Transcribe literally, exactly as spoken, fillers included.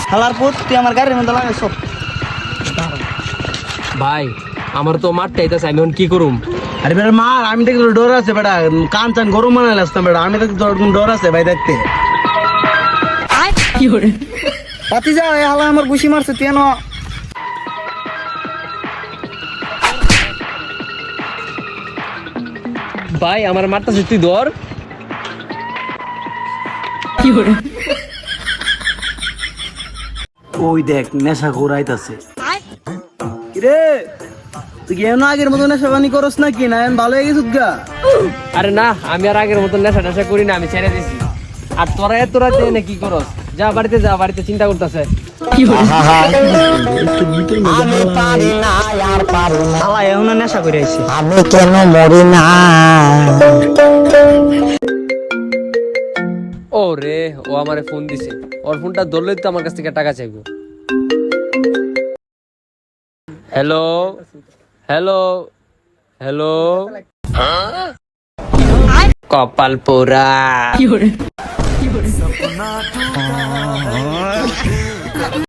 হালার পুত তুই আমার গাড়ির মধ্যে লাগাইছ। ভাই আমার তো মারতে আইতাছে, আমি এখন কি করুম? আরে বেটা মার, আমি দেখি তোর ডর আছে বেটা, কান চান গরম বানাইলে আসতাম বেটা, আমি দেখি তোর ডর আছে ভাই দেখতে। পাতি যা এই হালা আমার ঘুষি মারছে তুই এনো। ভাই আমার মারতাছে, তুই ধর। ওই দেখ নেশা ঘুরাইতাছে। কিরে তুই কি এমন আগের মতো নেশা পানি করস নাকি, না এখন ভালো হয়ে গেছিস গা? আরে না, আমি আর আগের মতন নেশা টেশা করি না, আমি ছেড়ে দিছি। আর তোরা এত রাতে এনে কি করস? যা বাড়িতে যা, বাড়িতে চিন্তা করতেছে। হালা এখনো নেশা করে আইছে। আমি কেন মরি না? ও রে, ও আমারে ফোন দিছে। ওর ফোনটা ধরলেই তো আমার কাছ থেকে টাকা চাইবো। হ্যালো হ্যালো হ্যালো, কপাল পোড়া।